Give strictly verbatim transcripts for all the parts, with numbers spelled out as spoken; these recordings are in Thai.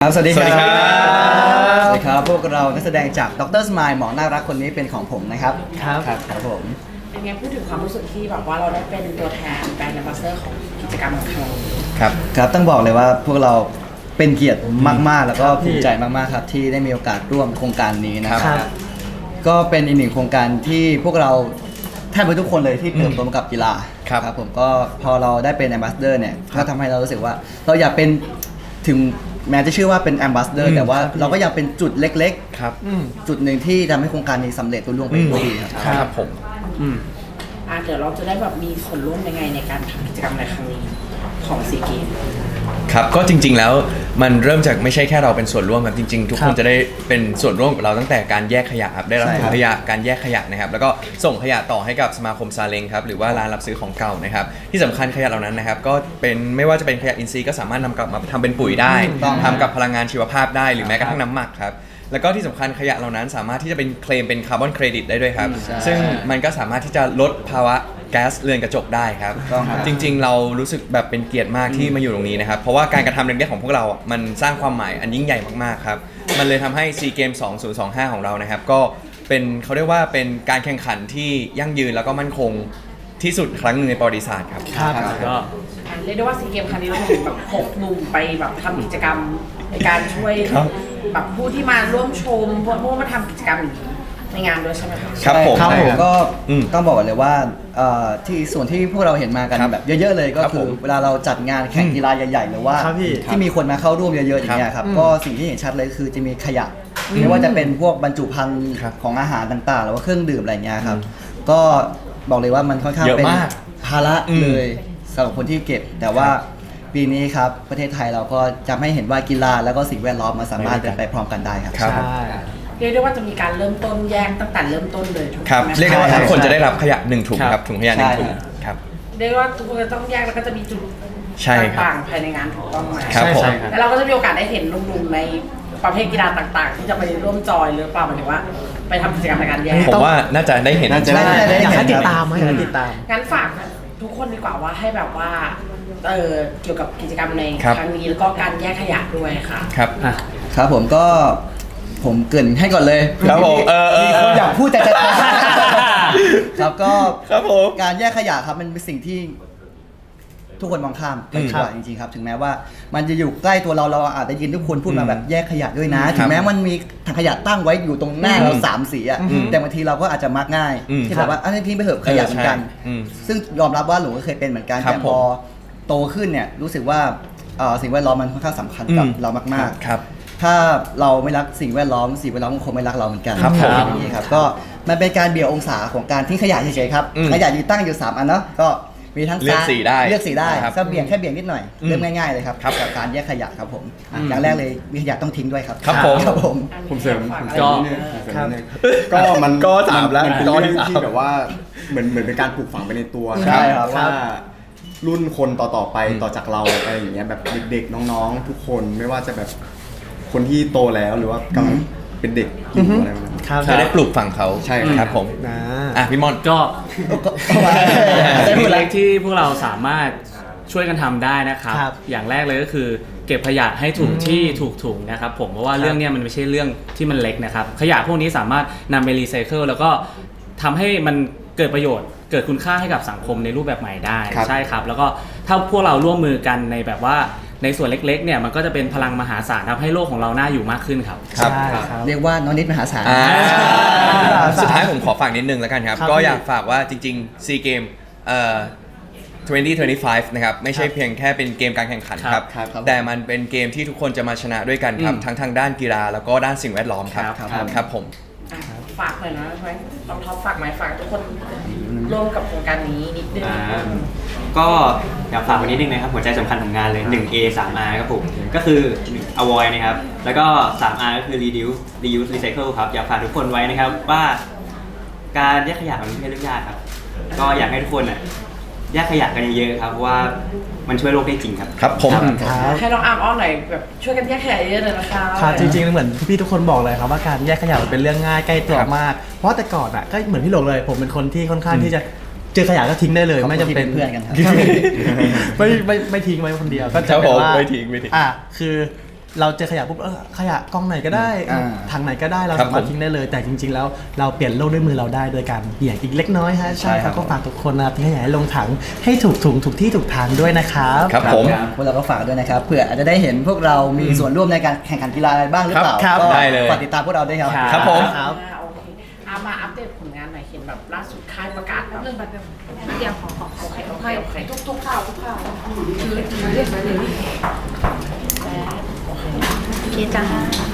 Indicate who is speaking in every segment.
Speaker 1: ครับสวัสดีครับ
Speaker 2: สวัสดีครับ
Speaker 1: สวัสดีครับพวกเรานักแสดงจากดรสมายหมอน่ารักคนนี้เป็นของผมนะครับ
Speaker 3: ครับ
Speaker 1: ครับครับผม
Speaker 4: เป็นไงพูดถึงความรู้สึกที่แบบว่าเราได้เป็นตัวแทนแบรนด์แอมบาสเดอร์ของกิจกรรมของเรา
Speaker 2: ครับ
Speaker 1: ครับต้องบอกเลยว่าพวกเราเป็นเกียรติมากๆ แล้วก็
Speaker 3: ครับพี่
Speaker 1: ภูมิใจมากๆครับที่ได้มีโอกาสร่วมโครงการนี้นะครับ
Speaker 3: ครับ
Speaker 1: ก็เป็นอีกหนึ่งโครงการที่พวกเราแทบจะทุกคนเลยที่เติบโตมากับกีฬา
Speaker 2: ครับ
Speaker 1: ครับผมก็พอเราได้เป็นแอมบาสเดอร์เนี่ยก็ทำให้เรารู้สึกว่าเราอยากเป็นถึงแม้จะชื่อว่าเป็นแอมบาสเดอร์แต่ว่าเราก็อยากเป็นจุดเล็ก
Speaker 2: ครับ
Speaker 3: อืม
Speaker 1: ๆ จุดหนึ่งที่ทำให้โครงการนี้สำเร็จรุ่ล่วงไปด้วยดีครับ
Speaker 2: ครับผม
Speaker 3: อืม
Speaker 4: อ่ะเดี๋ยวเราจะได้แบบมีส่วนร่วมยังไงในการทำกิจกรรมในครั้งนี้ของซีเกม
Speaker 2: ครับก็จริงๆแล้วมันเริ่มจากไม่ใช่แค่เราเป็นส่วนร่วมครับจริงๆ ทุก
Speaker 3: ครั
Speaker 2: คน
Speaker 3: บ
Speaker 2: จะได้เป็นส่วนร่วมกับเราตั้งแต่การแยกขยะครับได้รับ
Speaker 1: ใช่
Speaker 2: ถุ
Speaker 1: ครั
Speaker 2: ง
Speaker 1: บ
Speaker 2: ขยะการแยกขยะนะครับแล้วก็ส่งขยะต่อให้กับสมาคมซาเล้งครับหรือว่าร้านรับซื้อของเก่านะครับที่สำคัญขยะเหล่านั้นนะครับก็เป็นไม่ว่าจะเป็นขยะอินทรีย์ก็สามารถนำกลับมาทำเป็นปุ๋ยได้
Speaker 1: ถูกต้อง
Speaker 2: ทำกับพลังงานชีวภาพได้หรือแม้กระทั่งน้ำหมักครับแล้วก็ที่สำคัญขยะเหล่านั้นสามารถที่จะเป็นเคลมเป็นคาร์บอนเครดิตได้ด้วยครับ
Speaker 1: ใช่
Speaker 2: ซึ่งมันก็สามารถที่จะลดภาวะแก๊สเรือนกระจกได้ครับ
Speaker 1: ถูกต้องครับ
Speaker 2: จริงๆ เรารู้สึกแบบเป็นเกียรติมากที่มาอยู่ตรงนี้นะครับ เพราะว่าการกระทำเล็กๆของพวกเราอ่ะมันสร้างความหมายอันยิ่งใหญ่มากๆครับ มันเลยทำให้ ซี เกม สองพันยี่สิบห้า ของเรานะครับ ก็เป็นเขาเรียกว่าเป็นการแข่งขันที่ยั่งยืนแล้วก็มั่นคงที่สุดครั้งหนึ่งในประวัติศาสตร์ครับ
Speaker 3: ครับก็
Speaker 4: อ่ะเรียกได้ว่าซีเกมครั้งนี้เราถึงแบบหกหนุ่มไปแบบทำกิจกรรมในการช่วย
Speaker 2: ครับ
Speaker 4: แบบผู้ที่มาร่วมชมพวกผู้มาทำกิจกรรมอย่างนี้ในงานด้วยใช่ไหมคะ
Speaker 2: ครับผม
Speaker 1: ใช่ครับก็
Speaker 2: อืม
Speaker 1: ต้องบอกก่อนเลยว่าเอ่อที่ส่วนที่พวกเราเห็นมากัน
Speaker 2: ครับ
Speaker 1: แบบเยอะๆเลยก็
Speaker 2: ครับ
Speaker 1: คื
Speaker 2: ผ
Speaker 1: อ
Speaker 2: ม
Speaker 1: เวลาเราจัดงานแข่งกีฬาใหญ่ๆหรือว่า
Speaker 3: ครับพี่
Speaker 1: ที่มีคนมาเข้าร่วมเยอะๆอย่างเงี้ยครับ
Speaker 3: อืม
Speaker 1: ก็สิ่งที่เห็นชัดเลยคือจะมีขยะไม่ว่าจะเป็นพวกบรรจุภัณฑ์
Speaker 2: ครับ
Speaker 1: ของอาหารต่างๆ หรือว่าเครื่องดื่มอะไรเงี้ยครับก็บอกเลยว่ามันค่อนข้าง
Speaker 2: เยอะ
Speaker 1: เป็น
Speaker 2: มาก
Speaker 1: ภาระ
Speaker 2: อืม
Speaker 1: เลยสำหรับคนที่เก็บ แต่ว่าปีนี้ครับประเทศไทยเราก็จะให้เห็นว่ากีฬาแล้วก็สิ่งแวดล้อมมาสามารถเดินไปพร้อมกันได้ครับ
Speaker 2: ครับ
Speaker 3: ใช่
Speaker 4: เรียกได้ว่าจะมีการเริ่มต้นแยกตั้งแต่เริ่มต้นเลยถูก
Speaker 2: ครับ
Speaker 4: ไหมะ
Speaker 2: เรียกได้ว่า
Speaker 1: ใช่
Speaker 2: ทุกคนจะได้รับขยะหนึ่งถุง
Speaker 3: ครับ
Speaker 2: ครับถุงขยะหนึ่งถุง
Speaker 1: ใช่
Speaker 2: ครับ
Speaker 4: เรียกได้ว่าทุกคนจะต้องแยกแล้วก็จะมีจุด
Speaker 2: ใช่ครับ
Speaker 4: ต่างๆภายในงานถูกต้องไหม
Speaker 2: ครับผม
Speaker 3: ใช่ครับ
Speaker 4: แล้วเราก็จะมีโอกาสได้เห็นลุงๆในประเภทกีฬาต่างๆ ที่จะไปร่วมจอยหรือเปล่าหมายถึงว่า ไปทำกิจกรรมในการแยก
Speaker 2: ผมว่าน่าจะได้เห็น
Speaker 1: น่าจะได้
Speaker 3: อยากให้
Speaker 1: เห็น
Speaker 3: ติด
Speaker 1: ครับ
Speaker 3: ตามไหมอยากให้ติดตาม
Speaker 4: งั้นฝากทุกคนดีกว่าว่าให้แบบว่าเออเกี่ยวกับกิจกรรมใน
Speaker 2: ครับ
Speaker 4: ครั้งนี้แล้วก็การแยกขยะด้วยค่ะ
Speaker 2: ครับ
Speaker 3: อ่ะ
Speaker 1: ครับผมก็ผมเกรินให้ก่อนเลย
Speaker 2: ครับผมเออเออ
Speaker 1: มีคนอยากพูดแต่จะ ครับก็
Speaker 2: ครับผม
Speaker 1: การแยกขยะครับมันเป็นสิ่งที่ทุกคนมองข้ามไป
Speaker 2: อืม
Speaker 1: กว่าจริงๆครับ ถึงแม้ว่ามันจะอยู่ใกล้ตัวเราเราอาจจะยินทุกคนพูดมา
Speaker 2: อืม
Speaker 1: แบบแยกขยะด้วยนะ
Speaker 2: ครับ
Speaker 1: ถึงแม้มันมีถังขยะตั้งไว้อยู่ตรงหน้า
Speaker 2: อืม
Speaker 1: เราสามสีอะ
Speaker 2: อืม
Speaker 1: แต่บางทีเราก็อาจจะมักง่าย
Speaker 2: อืม
Speaker 1: ที่แบบว่าอันนี้ทิ้งไปเถอะขยะเหมือนกัน
Speaker 2: เออใช่อืม
Speaker 1: ซึ่งยอมรับว่าหลงก็เคยเป็นเหมือนกัน
Speaker 2: ครับ
Speaker 1: แต่พอโตขึ้นเนี่ยรู้สึกว่าเอ่อสิ่งแวดล้อมมันค่อนข้างสำคัญกับ
Speaker 2: อืม
Speaker 1: เรามากๆ
Speaker 2: ครับ
Speaker 1: ถ้าเราไม่รักสิ่งแวดล้อมสิ่งแวดล้อมก็คงไม่รักเราเหมือนกัน
Speaker 2: ครับผม
Speaker 1: อย่างนี้ครับก็มันเป็นการเบี่ยงองศาของการทิ้งขยะเฉยๆครับ
Speaker 2: อืม
Speaker 1: ขยะอยู่ตั้งอยู่สามอันเนาะก็มีทั้ง
Speaker 2: เลือกสีได้
Speaker 1: เลือกสีได้
Speaker 2: ครับ
Speaker 1: ก็เบี่ยงแค่เบี่ยงนิดหน่อย
Speaker 2: อืม
Speaker 1: เริ่มง่ายๆเลยครับ
Speaker 2: ครับ
Speaker 1: กับการแยกขยะครับผมอ่ะ
Speaker 3: อืม
Speaker 1: อย่างแรกเลยมีขยะต้องทิ้งด้วยครับ
Speaker 2: ครับผม
Speaker 1: ครับผม
Speaker 5: ผมเสริม
Speaker 4: ฝาก
Speaker 5: ผม
Speaker 4: อะไร
Speaker 5: เสริม
Speaker 4: นิ
Speaker 5: นิ
Speaker 4: ด
Speaker 5: ด
Speaker 4: นึ
Speaker 5: นึ
Speaker 4: ง
Speaker 5: งผมเสริมนิดนึงก็มัน
Speaker 2: ก็สามแล้ว
Speaker 5: มันเป็น
Speaker 2: ก็
Speaker 5: เรื่อง
Speaker 2: ที่สาม
Speaker 5: ที่แบบว่าเหมือนเหมือนเป็นการปลูกฝังไปในตัว
Speaker 1: ใช่ครับ
Speaker 5: ว่ารุ่นคนต่อๆไปต่อจากเราอะไรอย่างเงี้ยแบบเด็กๆน้องๆ ทุกคนไม่ว่าจะแบบคนที่โตแล้วหรือว่ากำลังเป็นเด็กอยู่อะไรประมาณนั้น
Speaker 3: ครับ
Speaker 2: จะได้ปลูกฝังเขา
Speaker 5: ใช่ครับ
Speaker 2: ครับผม
Speaker 3: นะ
Speaker 2: อ่ะพี่มอน
Speaker 6: ก็
Speaker 1: ได้
Speaker 6: สิ่ง
Speaker 1: พูดแล้
Speaker 6: เล็
Speaker 1: ว
Speaker 6: กๆที่พวกเราสามารถช่วยกันทำได้นะครับ
Speaker 3: ครับ
Speaker 6: อย่างแรกเลยก็คือเก็บขยะให้ถูกที่ถูกถุงนะครับผมเพราะว่าเรื่องเนี้ยมันไม่ใช่เรื่องที่มันเล็กนะครับ ขยะพวกนี้สามารถนำไปรีไซเคิลแล้วก็ทำให้มันเกิดประโยชน์ เกิดคุณค่าให้กับสังคมในรูปแบบใหม่ได้
Speaker 5: ครับ
Speaker 6: ใช่ครับ แล้วก็ถ้าพวกเราร่วมมือกันในแบบว่าในส่วนเล็กๆเนี่ยมันก็จะเป็นพลังมหาศาลทำให้โลกของเราน่าอยู่มากขึ้นครับ
Speaker 2: ครับ
Speaker 3: ใช่ครับ
Speaker 1: เรียกว่าน้องนิดมหาศาล
Speaker 2: อ่า
Speaker 3: อ่า
Speaker 2: สุดท้ายผมขอฝากนิดนึงแล้วกันครับ
Speaker 3: ครับ
Speaker 2: ก็
Speaker 3: พี่
Speaker 2: อยากฝากว่าจริงๆ ซี เกมเอ่อสองพันยี่สิบห้า นะครับ ไม่ใช่เพียงแค่เป็นเกมการแข่งขันครับ
Speaker 1: ครับครับ
Speaker 2: แต่มันเป็นเกมที่ทุกคนจะมาชนะด้วยกันครับ
Speaker 6: อืม
Speaker 2: ทั้งทางด้านกีฬาแล้วก็ด้านสิ่งแวดล้อมครับ
Speaker 6: ครับ
Speaker 2: ครับผม
Speaker 4: อ่ะฝากหน่อยนะใช่ไหมต้องท็อปฝากไหมฝากทุกคนร่วมกับโครงการนี้นิดนึง
Speaker 7: อ่าก็อยากฝากไว้นิดนึงนะครับหัวใจสำคัญของงานเลย หนึ่ง เอ สาม อาร์ ครับผมก็คือ avoid นะครับแล้วก็ สาม อาร์ ก็คือ reduce reuse recycle ครับอยากฝากทุกคนไว้นะครับว่าการแยกขยะมันไม่ใช่เรื่องยากครับก็อยากให้ทุกคนอ่ะแยกขยะกันเยอะๆครับเพราะว่ามันช่วยโลกได้จริงครับ
Speaker 2: ครับผม
Speaker 3: ครับ
Speaker 4: ให้น้องอาร์มอ้อนหน่อยแบบช่วยกันแยกขยะเยอะๆเลยนะคะ
Speaker 3: ครับจริงๆเหมือนพี่ๆทุกคนบอกเลยครับว่าการแยกขยะมันเป็นเรื่องง่ายใกล้ตัว
Speaker 2: ครับ
Speaker 3: มาก เพราะแต่ก่อนอ่ะก็เหมือนพี่หลงเลย ผมเป็นคนที่ค่อนข้างที่จะเจอขยะก็ทิ้งได้เลย
Speaker 1: เขา
Speaker 3: ไม่จำเป็น
Speaker 1: เป็นเพื่อนกันครับ
Speaker 3: ไม่ไม่ไม่ไม่ทิ้งไว้คนเดียวก็
Speaker 2: ครั
Speaker 3: จะ
Speaker 2: บ
Speaker 3: เป็น
Speaker 2: ผม
Speaker 3: ว่า
Speaker 2: ไม่ทิ้งไม่ทิ้ง
Speaker 3: อ่ะคือเราเจอขยะปุ๊บเออขยะกองไหนก็ได้
Speaker 1: อ่า
Speaker 3: ถังไหนก็ได้เรา
Speaker 2: ครับ
Speaker 3: สามารถ
Speaker 2: ผม
Speaker 3: ทิ้งได้เลย แต่จริง ๆ แล้วเราเปลี่ยนโลกด้วยมือเราได้โดยการเบี่ยงอีกเล็กน้อยฮะใช่ครับก็ฝากทุกคนนะครับทิ้งขยะให้ลงถังให้ถูกถุงถูกที่ถูกทางด้วยนะครับ
Speaker 2: ครับผม
Speaker 1: พวกเราก็ฝากด้วยนะครับเผื่ออาจจะได้เห็นพวกเรามีส่วนร่วมในการแข่งขันกีฬาอะไรบ้างหรือเปล่า
Speaker 3: ครับ
Speaker 1: ก็
Speaker 2: ได้เลย
Speaker 1: ฝากติดตามพวกเราด้วยครับ
Speaker 2: ครับผม
Speaker 3: ครับ
Speaker 4: อ่าโอเคเอามาอัปเดตผลงานหน่อยเห็นแบบล่าสุดค่ายประกาศแบบ
Speaker 8: เรื่องแบบเดียวขอขอขอ
Speaker 4: โอเคโอเคโอเค
Speaker 8: ทุกทุกข่าวทุกข่าวคือคือเรียกมาเลยโอเคจ้า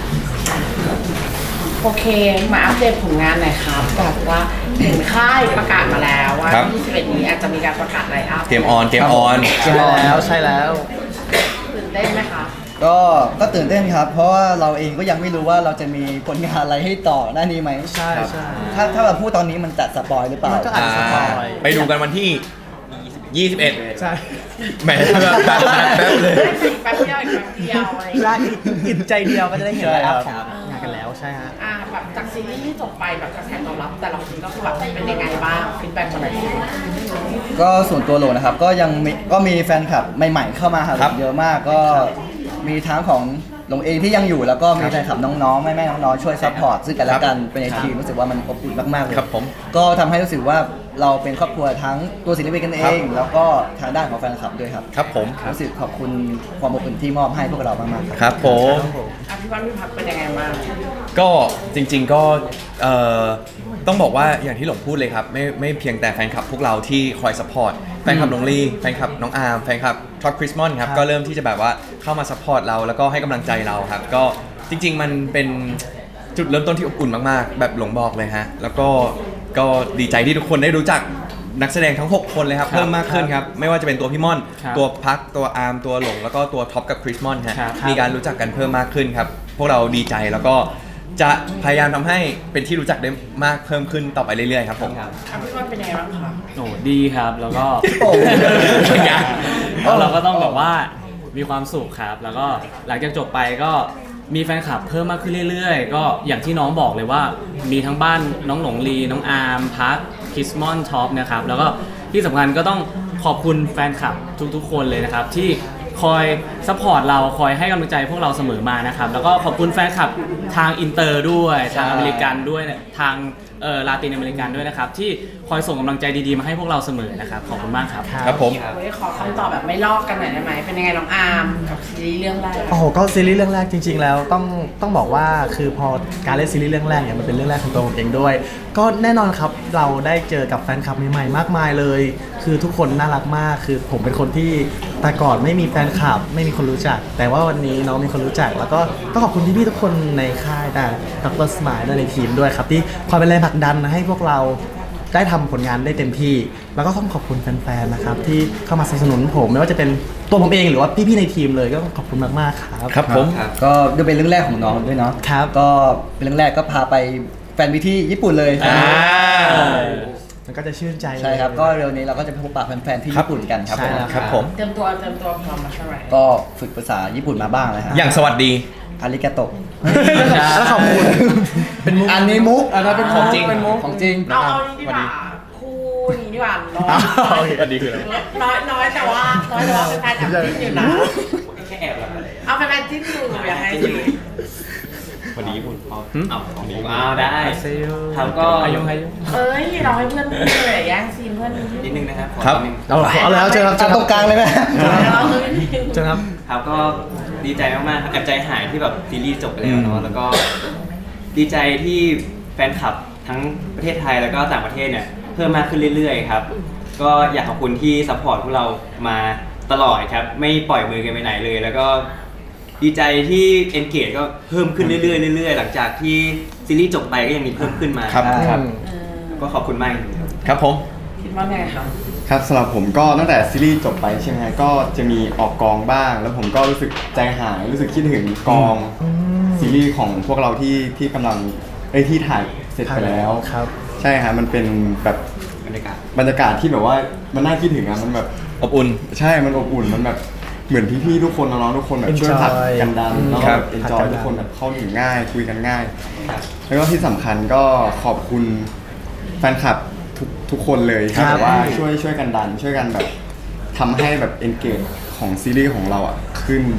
Speaker 4: โอเคมาอัปเดตผลงานหน่อยครับแบบว่าเห็นค่ายประกาศมาแล้วว่า
Speaker 2: ครับ
Speaker 4: ยี่สิบเอ็ดนี้อาจจะมีการประกาศไลน์อัพ
Speaker 2: เกมออนเกมออน
Speaker 3: ใช่แล้วใช่แล้ว
Speaker 4: ตื่นเต้นไหมคะ
Speaker 1: ก็ก็ตื่นเต้นครับ เพราะว่าเราเองก็ยังไม่รู้ว่าเราจะมีผลงานอะไรให้ต่อหน้านี้ไหม
Speaker 3: ใช่ใช่
Speaker 1: ถ้าถ้าเราพูดตอนนี้มันจะสปอยหรือเปล่า
Speaker 3: มันก็อาจจะสปอย
Speaker 2: ไปดูกันวันที่ ยี่สิบเอ็ด
Speaker 3: ใช่
Speaker 2: แหมแบบแป๊บแป๊บเลย
Speaker 4: อีกแป๊บเดียวอีกแป๊บเดียวอะไรอย่าง
Speaker 3: และ
Speaker 4: เงี้ย
Speaker 3: อิ่มใจเดียวก็จะได้เห็น
Speaker 1: ใช่
Speaker 3: ไลน์
Speaker 1: ครั
Speaker 3: อั
Speaker 1: บ
Speaker 3: พของงานกันแล้วใช่ฮะ
Speaker 4: อ่าแบบจากซีรีส์ที่จบไปแบบกระแสตอบรับ แต่ละคนก็คือแบบเป็นยังไงบ้างฟีดแบ็กมาหน่อยสิ
Speaker 1: ก็ส่วนตัวโหลนะครับก็ยังมีก็มีแฟนคลับใหม่ ๆ เข้ามาหา
Speaker 2: ครับ
Speaker 1: เยอะมากก็มีทั้งของหลงเองที่ยังอยู่แล้วก็มีแฟนคลับน้องๆแม่ๆน้องๆช่วยซัพพอร์ตซึ่งกันและกันเป็นในทีมรู้สึกว่ามันอบอุ่นมากๆเลย
Speaker 2: ครับผม
Speaker 1: ก็ทำให้รู้สึกว่าเราเป็นครอบครัวทั้งตัวศิลปินกันเอง แล้วก็ทางด้านของแฟนคลับด้วยครับ
Speaker 2: ครับผม
Speaker 1: รู้สึกขอบคุณความอบอุ่นที่มอบให้พวกเรามากๆครับ
Speaker 2: ครับผม
Speaker 4: อ่ะพี่วันพี่พักเป็นยังไงบ้าง
Speaker 2: ก็จริงๆก็เอ่อต้องบอกว่าอย่างที่หลงพูดเลยครับไม่ไม่เพียงแต่แฟนคลับพวกเราที่คอยสปอร์ตแฟนคลับน้องลี่แฟนคลับน้องอาร์มแฟนคลับท็อปคริสมอนครับ
Speaker 3: ครับ
Speaker 2: ก็เริ่มที่จะแบบว่าเข้ามาสปอร์ตเราแล้วก็ให้กำลังใจเราครับ ก็จริง ๆ มันเป็นจุดเริ่มต้นที่อบอุ่นมากๆ แบบหลงบอกเลยฮะแล้วก็ก็ดีใจที่ทุกคนได้รู้จักนักแสดงทั้ง หก คนเลยครับ
Speaker 6: ครับ
Speaker 2: เพิ่มมากขึ้นครับไม่ว่าจะเป็นตัวพี่ม่อน
Speaker 6: ครับ
Speaker 2: ตัวพักตัวอาร์มตัวหลงแล้วก็ตัวท็อปกับคริสมอนฮะ
Speaker 6: ครับ
Speaker 2: มีการรู้จักกันเพิ่มมากขึ้นครับ พวกเราดีใจแล้วก็จะพยายามทำให้เป็นที่รู้จักได้มากเพิ่มขึ้นต่อไปเรื่อยๆครับผม
Speaker 4: อ่ะพี่วันเป็นยังไงบ้างคะ
Speaker 6: โอ้ดีครับแล้วก็
Speaker 1: โอ้
Speaker 6: แล้วเราก็ต้องแบบว่ามีความสุขครับ แล้วก็หลังจากจบไปก็มีแฟนคลับเพิ่มมากขึ้นเรื่อยๆ ก็อย่างที่น้องบอกเลยว่ามีทั้งบ้านน้องหลงลีน้องอาร์มพักคิสมอนท็อปนะครับแล้วก็ที่สำคัญก็ต้องขอบคุณแฟนคลับทุกๆ คนเลยนะครับที่คอยซัพพอร์ตเราคอยให้กำลังใจพวกเราเสมอมานะครับแล้วก็ขอบคุณแฟนคลับทางอินเตอร์ด้วยทางอเมริกันด้วยทางเอ่อลาตินอเมริกันด้วยนะครับที่คอยส่งกำลังใจดีๆมาให้พวกเราเสมอนะครับขอบคุณมากครับ
Speaker 2: ครับผม
Speaker 4: วันนี้ขอคำตอบแบบไม่ลอกกันหน่อยได้ไหมเป็นยังไงน้องอาร์มกับซีรีส์เรื่องแรก
Speaker 3: โอ้โหก็ซีรีส์เรื่องแรกจริง ๆ แล้วต้องต้องบอกว่าคือพอการเล่นซีรีส์เรื่องแรกเนี่ยมันเป็นเรื่องแรกของตัวผมเองด้วย ก็แน่นอนครับเราได้เจอกับแฟนคลับใหม่ๆมากมายเลย คือทุกคนน่ารักมากคือผมเป็นคนที่แต่ก่อนไม่มีแฟนคลับ ไม่มีคนรู้จัก แต่ว่าวันนี้น้องมีคนรู้จัก แล้วก็ต้องขอบคุณพี่ๆทุกคนในค่ายแต่ดรสมายและในทีมด้วยครับที่คอยเป็นแรงผลักดันให้พวกเราได้ทำผลงานได้เต็มที่ แล้วก็ต้องขอบคุณแฟนๆนะครับที่เข้ามาสนับสนุนผมไม่ว่าจะเป็นตัวผมเองหรือว่าพี่ๆในทีมเลยก็ต้องขอบคุณมากๆครับ
Speaker 2: ครับผม
Speaker 1: ก็ด้วยเป็นเรื่องแรกของน้องด้วยเนาะ
Speaker 3: ครับ
Speaker 1: ก็เป็นเรื่องแรกก็พาไปแฟนวิที่ญี่ปุ่นเลย
Speaker 2: อ่า
Speaker 3: มันก็จะชื่นใจ
Speaker 1: ใช่ครับก็เร็วนี้เราก็จะไปพบปะแฟนๆที่ญี่ปุ่นกันครับ
Speaker 3: ใช่
Speaker 1: ผม
Speaker 3: แล้ว
Speaker 2: ครับผม
Speaker 4: เตรียมตัวเตรียมตัวพร้อมมาใช่ไหม
Speaker 1: ก็ฝึกภาษาญี่ปุ่นมาบ้างเลยฮะ
Speaker 2: อย่างสวัสดี
Speaker 1: อาริกาโตะ
Speaker 3: แล้วขอบคุณเป็นมุก
Speaker 1: อันนี้มุกอันนั้นเป็น
Speaker 2: ของจริง
Speaker 1: เป็นมุกของจริง
Speaker 4: เอาเอานี้ดีกว่าคู่นี้ดีกว่าน้อย
Speaker 2: สวัสดีคืออะไร
Speaker 4: น้อยน้อยแต่ว่าน้อยแต่ว่าเป็นแฟนแอบจิ้นอยู่นะ
Speaker 7: แค่แอบแบบ
Speaker 4: เอาเป็นแฟนจิ้นอยู่อยากให้จิ้น
Speaker 7: วันนี้คุณเอาเอาของนี้อ้าวได้ครับก็
Speaker 6: อายุอายุ
Speaker 4: เอ้ยเราให้เพื่อนพูดเลยแย่งซีนเพื่อน
Speaker 7: นิดนึงนะครับขอ
Speaker 2: ครับ
Speaker 7: นิดนึง
Speaker 3: เอาเอาแล้วเจอครับเจ
Speaker 1: จั
Speaker 3: อบ ค
Speaker 1: ต
Speaker 3: รั
Speaker 1: ร
Speaker 3: บ
Speaker 1: งกลางเลยไหม
Speaker 4: เราคือ
Speaker 3: เจอครับ
Speaker 7: ครับก็ดีใจมากๆครับแอบใจหายที่แบบซีรีส์จบไปแล้วเนาะแล้วก็ดีใจที่แฟนคลับทั้งประเทศไทยแล้วก็ต่างประเทศเนี่ยเพิ่มมากขึ้นเรื่อยๆครับก็อยากขอบคุณที่ซัพพอร์ตพวกเรามาตลอดครับไม่ปล่อยมือกันไปไหนเลย แล้วก็ดีใจที่ engage ก็เพิ่มขึ้นเรื่อยๆเรื่อยๆหลังจากที่ซีรีส์จบไปก็ยังมีเพิ่มขึ้นมา
Speaker 2: ครับ
Speaker 1: ครับ
Speaker 7: ก็ขอบคุณมากจริงๆครับ
Speaker 2: ครับผม
Speaker 4: คิดว่าไงครับ
Speaker 5: ครับสำหรับผมก็ตั้งแต่ซีรีส์จบไปใช่ไหมฮะก็จะมีออกกองบ้าง แล้วผมก็รู้สึกใจหายรู้สึกคิดถึงกองซีรีส์ของพวกเราที่ที่กำลังเอ้ยที่ถ่ายเสร็จไปแล้ว
Speaker 3: ครับ
Speaker 5: ใช่ฮะมันเป็นแบบ
Speaker 7: บรรยากาศ
Speaker 5: บรรยากาศที่แบบว่ามันน่าคิดถึงอะมันแบบ
Speaker 2: อบอุ่น
Speaker 5: ใช่มันอบอุ่นมันแบบเหมือนพี่ๆทุกคนน้องๆทุกคนแบบช่วยผลักกันดันแล้ว
Speaker 2: ค
Speaker 5: ก็
Speaker 2: รับ
Speaker 5: เอนจอยทุกคนแบบเข้าถึงง่ายคุยกันง่าย แล้วก็ที่สำคัญก็ขอบคุณแฟนคลับทุกทุกคนเลยที่
Speaker 3: ครับ
Speaker 5: แบบว่าช่วยช่วยกันดัน ช่วยกันแบบทำให้แบบ engage ของซีรีส์ของเราอ่ะขึ้นเยอะ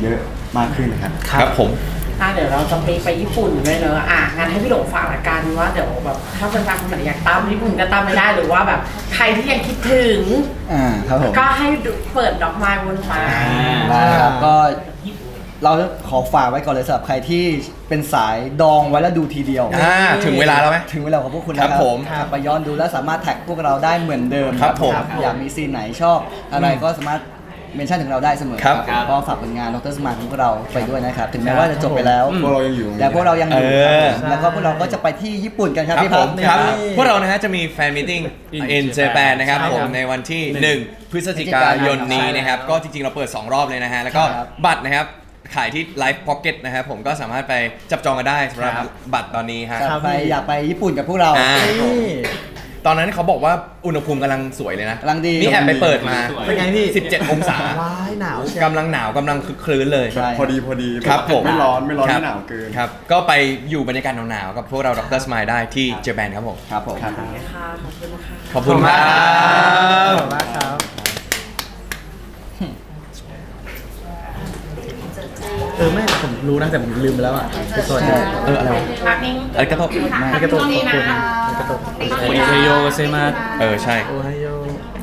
Speaker 5: มากขึ้นนะครับ
Speaker 2: ครับผม
Speaker 4: อ่ะเดี๋ยวเราจะไปไปญี่ปุ่นด้วยเนอะอ่ะงั้นให้พี่หลงฝากละกันว่าเดี๋ยวแบบถ้าแฟนๆคนไหนอยากตามญี่ปุ่นก็ตามไม่ได้หรือว่าแบบใครที่ยังคิดถึง
Speaker 1: อ่าครับผม
Speaker 4: ก็ให้ดูเปิดดอกไม้บนฟ้า
Speaker 1: ได้ครับก็เราขอฝากไว้ก่อนเลยสำหรับใครที่เป็นสายดองไว้แล้วดูทีเดียว
Speaker 2: อ่าถึงเวลาแล้วไหม
Speaker 1: ถึงเวลาของพวกคุณแล้ว
Speaker 2: ครับผม
Speaker 1: กลับไปย้อนดูแล้วสามารถแท็กพวกเราได้เหมือนเดิม
Speaker 2: ครับผม
Speaker 1: อยากมีซีนไหนชอบอะไรก็สามารถเมนชั่นถึงเราได้เสมอ
Speaker 2: ครับ
Speaker 1: ก็ฝากผลงานดรสมานของพวกเราไปด้วยนะครับ ถึงแม้ว่าจะจบไปแล้ว
Speaker 5: พวกเรายังอยู่
Speaker 1: แต่พวกเรายังอยู่
Speaker 2: เออ
Speaker 1: ครับผมแล้วก็พวกเราก็จะไปที่ญี่ปุ่นกันครับ
Speaker 2: ครับ
Speaker 1: พี่
Speaker 2: ผ
Speaker 1: พั
Speaker 2: ม
Speaker 1: ฒ
Speaker 2: ครับ
Speaker 1: นี่
Speaker 2: พวกเรานะฮะจะมีแฟนมิทติ้ง
Speaker 6: In
Speaker 2: in
Speaker 6: Japan
Speaker 2: Japan นะครับ
Speaker 6: ใช่
Speaker 2: ผ
Speaker 6: ครั
Speaker 2: ม
Speaker 6: บ
Speaker 2: ในวันที่ หนึ่ง พฤศจิกายนนี้นะครับ ก็จริงๆ เราเปิด สอง รอบเลยนะฮะ แล้วก็
Speaker 1: ครับ
Speaker 2: บัตรนะครับ ขายที่ Live Pocket นะครับผมก็สามารถไปจับจองกันได้สำหรับ
Speaker 3: ครับ
Speaker 2: บัตรตอนนี้ฮะ
Speaker 1: ครับไปอยากไปญี่ปุ่นกับพวกเรา
Speaker 2: อ่า
Speaker 1: นี่
Speaker 2: ตอนนั้นเขาบอกว่าอุณหภูมิกำลังสวยเลยนะ
Speaker 1: กำลังดี
Speaker 2: นี่แอบไปเปิดมา
Speaker 3: เป็นไงพี่
Speaker 2: สิบเจ็ด องศา
Speaker 3: ว้ายหนาวเชียว
Speaker 2: กำลังหนาวกำลังคึกคลื้นเลย
Speaker 1: ใช่
Speaker 5: พอดีพอดี
Speaker 2: ครับผม
Speaker 5: ไม่ร้อนไม่ร้อน
Speaker 2: คบ
Speaker 5: ไม่หนาวเกิน
Speaker 2: ครับ ก็ไปอยู่บรรยากาศหนาวๆกับพวกเราดรสมายได้ที่เจแปนครับผม
Speaker 1: ครับผม
Speaker 5: ครับ
Speaker 4: ค่ะขอบคุณค่ะ
Speaker 2: ขอบคุณครั
Speaker 3: ข
Speaker 2: บ
Speaker 3: อบคุณมากครับ เออไม่ผมรู้นะแต่ผมลืมไปแล้วอ่ะคือสวัสดี
Speaker 2: เอออะไรวะ
Speaker 4: พักนิ่ง
Speaker 2: อะไรก็ต้อง
Speaker 3: ไม่กระตุกขอบคุณไม่กระตุก
Speaker 6: โอนิเทโยเซมา
Speaker 2: เออใช่
Speaker 3: โอไฮโอ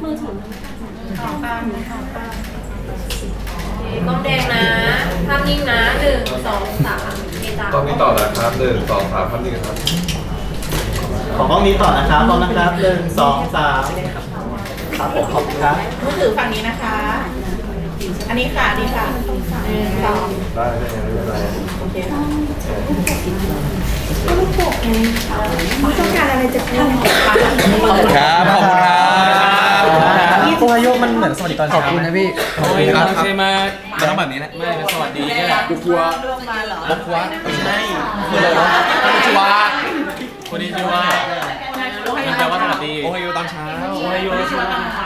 Speaker 8: ต้องแดงนะภาพนิ่งนะหนึ่งสองสามเอจ้า
Speaker 9: ตอนนี้ต่อนะครับหนึ่งสองสามพันหนึ่งครับ
Speaker 3: ขอกล้องนี้ต่อนะครับพร้อมนะครับหนึ่งสองสามครับผมขอบคุณครับ
Speaker 10: มือถือฝั่งนี้นะคะ อันนี้ค่ะอันนี้ค่ะหนึ่งสอง
Speaker 9: ได้ได้ได้ได้
Speaker 10: โอเคค่ะต้องการอะไรจะพูด
Speaker 2: ครับ ขอบคุณครับ
Speaker 3: โอไฮโอมันเหมือนสวัสดีตอน
Speaker 1: ข
Speaker 3: เช้า
Speaker 1: อบคุณนะพี่
Speaker 6: โอนิเซมา
Speaker 2: มันต้องแบบนี้แหละ
Speaker 6: ไม่เป็นสวัสดีนี่แหละ
Speaker 5: บุกวัว
Speaker 10: ร่วมมาเหรอ
Speaker 2: บอกว่าใช่คืออะไรวะคอนนิชิวะ
Speaker 6: โอนิชิวะมันแปลว่าสวัสดี
Speaker 2: โอไฮโอตอนเช้า
Speaker 6: โอไฮโอชิวะ